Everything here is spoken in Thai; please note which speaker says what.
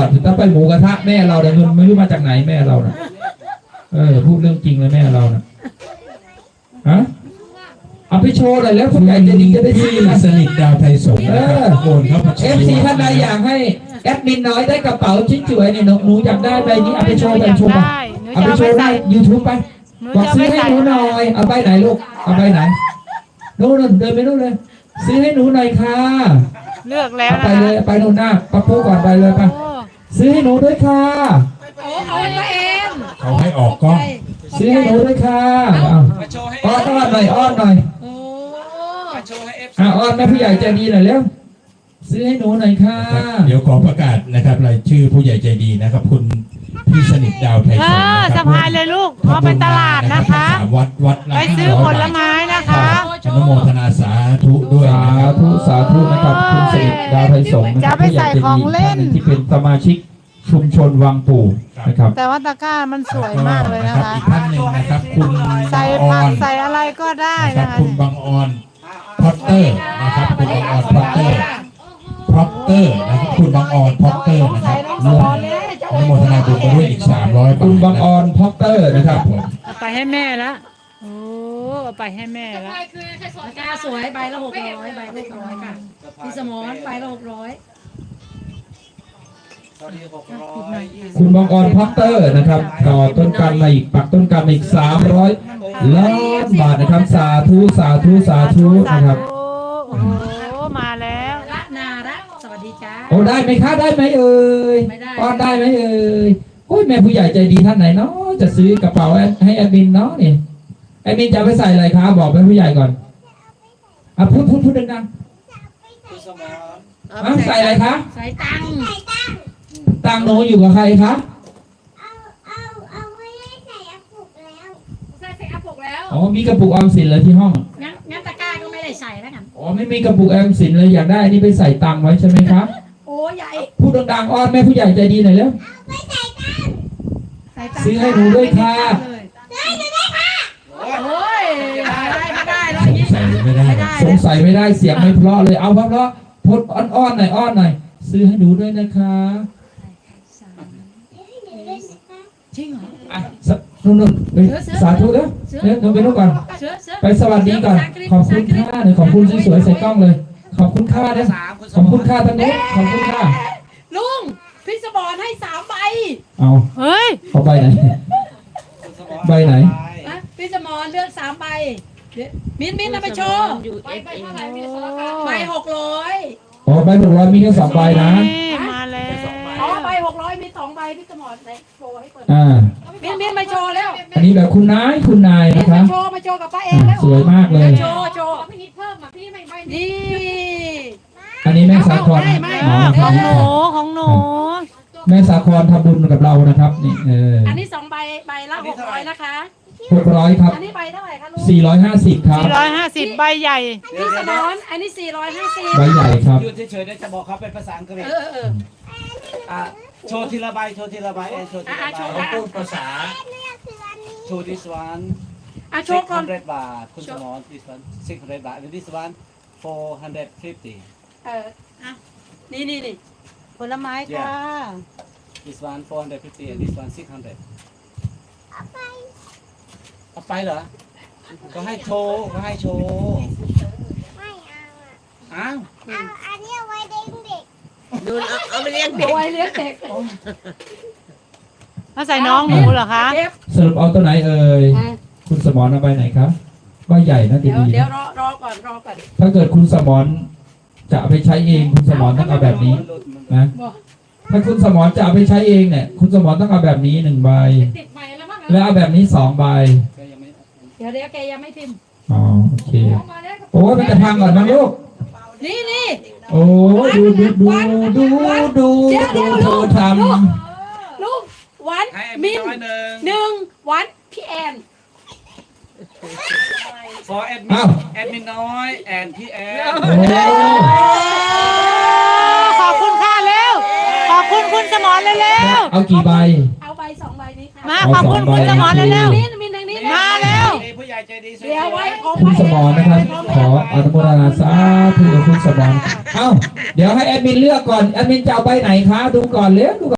Speaker 1: ทถ้าไปหมูกระทะแม่เราเนี่ยเงินไม่รู้มาจากไหนแม่เราน่ะพูดเรื่องจริงเลยแม่เราน่ะฮะเอาไปโชว์เลยแล้วผู้ใหญ่จะดีจะได้ซื้อสนิทดาวไทยสงฆ์โอนครับFCท่านใดอยากให้แอดมินน้อยได้กระเป๋าชิ้นสวยเนี่ยหนูอยากได้ใบนี้เอาไปโชว์ไปโชว์ไปเอาไปโชว์ได้YouTubeไปบอกซื้อให้หนูหน่อยเอาใบไหนลูกเอาใบไหนนู่นเดินไปนู่นเลยซื้อให้หนูหน่อยค่ะ
Speaker 2: เลือกแล้วนะ
Speaker 1: ไปเลยไปนู่นหน้าป้าปูก่อนไปเลยไปซื้อให้หนูด้วยค่ะ
Speaker 3: เอาไปเอง
Speaker 4: เขาให้ออกกล้อง
Speaker 1: ซื้อให้หนูด้วยค่ะอ้อนหน่อยอ้อนหน่อยอ้อนแม่ผู้ใหญ่ใจดีหน่อยเร็วซื้อให้หนูหน่อยค่ะ
Speaker 4: เดี๋ยวขอประกาศนะครับรายชื่อผู้ใหญ่ใจดีนะครับคุณพี่สนิทดาวไทยสงฆ์
Speaker 2: สะพายเลยลูกเอาไปตลาดนะคะ
Speaker 4: วัด
Speaker 2: ไปซื้อผลไม้นะคะ
Speaker 4: อนุโมทนาสาธุด้วย
Speaker 1: สาธุนะครับคุณสนิทดาวไทยสงฆ์
Speaker 2: จะไปใส่ของเล่น
Speaker 1: ที่เป็นสมาชิกชุมชนวังปู่นะครับ
Speaker 2: แต่ว่าตะกร้ามันสวยมากเลยนะคะ
Speaker 4: อีกท่านหนึ่งนะครับคุณ
Speaker 2: ใส่ผักใส่อะไรก็ได้นะคะ
Speaker 4: คุณบางออนพอตเตอร์นะครับคุณบางออนพอตเตอร์นะครับคุณบางออนพอตเตอร์นะครับร่วมอนุโมทนาบุญด้วยอีก300
Speaker 1: คุณบางออนพอตเตอร์นะครับ
Speaker 2: เอาไปให้แม่ละโอ้เอาไปให้แม่ละ
Speaker 3: ตะกร้าสวยใบละ600ใบละ600ค่ะพี่สมรใบละ600
Speaker 1: คุณบางออนพอตเตอร์นะครับต่อต้นกันมาอีกปักต้นกันมาอีก300 ล้านบาทนะครับสาธุนะครับ
Speaker 2: โอ้มาแล้ว
Speaker 3: ละนาระสวัสดีจ้า
Speaker 1: โอ้ได้ไหมคะได้ไหมเอ่ยอ้อนได้ไหมเอ่ยโอ้ยแม่ผู้ใหญ่ใจดีท่านไหนเนาะจะซื้อกระเป๋าให้แอดมินเนาะนี่แอดมินจะไปใส่อะไรคะบอกแม่ผู้ใหญ่ก่อนพูดดังๆใส่อะไรคะ
Speaker 3: ใส่ตัง
Speaker 1: หนูอยู่กับใครคะ
Speaker 5: เอาไว้ใส่อาปุกแล้ว
Speaker 3: ใส่อาปุกแล้ว
Speaker 1: อ๋อมีกระปุกออมสินเลยที่ห้อง
Speaker 3: งั้นตะกร้าก็ไม่ได้ใส่แล้วกัน
Speaker 1: อ๋อไม่มีกระปุกออมสินเลยอยากได้นี่ไปใส่ตังไว้ใช่ไหมคะ
Speaker 3: โอ้ใหญ่
Speaker 1: พูดดังๆอ้อนแม่ผู้ใหญ่ใจดีหน่อยแล้ว
Speaker 5: ไม่ใส่ตัง
Speaker 1: ซื้อให้หนูด้วยค่ะ
Speaker 5: ได้ค่ะ
Speaker 3: โอ้ยไม่ได้แล้ว
Speaker 1: สงสัยไม่ได้เสียงไม่เพราะเลยเอาเพราะพดอ้อนหน่อยซื้อให้หนูด้วยนะคะ
Speaker 3: จริงเหรอ
Speaker 1: อ่ะนุ่นไปสาธุแล้วหนูไปนู่นก่อนไปสวัสดีก่อนขอบคุณค่าเลยขอบคุณสวยๆใส่กล้องเลยขอบคุณค่านะขอบคุณค่าทั้งนู้นขอบคุณค่า
Speaker 3: ลุงพี่สมรให้3 ใบ
Speaker 1: เอา
Speaker 2: เฮ้ย
Speaker 1: เอาใบไหนใบไหน
Speaker 3: พี่สมรเลือก3 ใบมิ้นเอาไปโชว์ใบ600
Speaker 1: อ๋อใบ600มีแค่2 ใบนะ
Speaker 2: มาแล้ว
Speaker 3: อ๋อใบ600มี2 ใบพี่สมรโชว์ให้เปิดมิ้นมาโชว์แล้ว
Speaker 1: อันนี้แบบคุณนายนะครับ
Speaker 3: มาโชว์กับป้าเองแล้ว
Speaker 1: สวยมากเลย
Speaker 3: โชว์ไม่นิดเพิ่มอ่ะพี่ไม่นี่
Speaker 1: อันนี้แม่สาคร
Speaker 2: ของหนู
Speaker 1: แม่สาครทำบุญกับเรานะครับนี่
Speaker 3: อันนี้2 ใบละ600นะคะ
Speaker 1: 600ครับ
Speaker 3: อันนี้ใบเท่าไหร่คะลุง
Speaker 1: 450ครับ
Speaker 2: 450ใบใหญ่
Speaker 3: พี่สมรอันนี้450
Speaker 1: ใบใหญ่ครับ
Speaker 6: อยู่เฉยๆจะบอกเขาเป็นภาษาอังกฤษโชว์ทีละใบโชว์ทีละใบโชว์ทีละใบเขาพูดภาษาโชว์ this one
Speaker 3: โชว์ก่อน
Speaker 6: 600 บาทคุณสมร this one 600 บาท and this one 450
Speaker 3: นี่
Speaker 2: ผลไม้ค่ะ
Speaker 6: this one 450 and this one 600เอาไปเหรอก็ให้โชว์
Speaker 5: ไม่
Speaker 6: อ้าว
Speaker 5: อันนี้เอาไว้เด็ก
Speaker 2: ดูเอาไปเลี้ยงเด็ก
Speaker 3: เอาไว้เลี้ยงเด็ก
Speaker 2: มาใส่น้องหนูเหรอคะ
Speaker 1: สรุปเอาตัวไหนเอ่ยคุณสมรเอาใบไหนครับใบใหญ่นะดี
Speaker 3: เดี๋ยวรอก่อน
Speaker 1: ถ้าเกิดคุณสมรจะเอาไปใช้เองคุณสมรต้องเอาแบบนี้นะถ้าคุณสมรจะเอาไปใช้เองเนี่ยคุณสมรต้องเอาแบบนี้1 ใบแล้วเอาแบบนี้2 ใบ
Speaker 3: เดี๋ยวแกยังไม่พิมพ์
Speaker 1: อ๋อโอเคโอ้ยมันจะพังก่อนนะลูก
Speaker 3: นี่
Speaker 1: โอ้ดูเธอท
Speaker 3: ำลูกวันมิน1วันพี่แอน
Speaker 6: forแอดมินน้อยแอนพี่แอน
Speaker 2: ขอบคุณค่ะเร็วขอบคุณคุณสมรเร็ว
Speaker 1: เอากี่ใบ
Speaker 3: เอาใบ2 ใบนี้ค่ะ
Speaker 2: มาขอบคุณคุณสมรเร็ว
Speaker 3: มินทางนี้
Speaker 2: มาเร็ว
Speaker 6: ผู้ใหญ่ใจดี
Speaker 3: เดี๋ยวไว้
Speaker 1: คุณสมรนะครับขออนุโมทนาสาธุคุณสมรเดี๋ยวให้แอดมินเลือกก่อนแอดมินจะเอาใบไหนคะดูก่อนเร็ว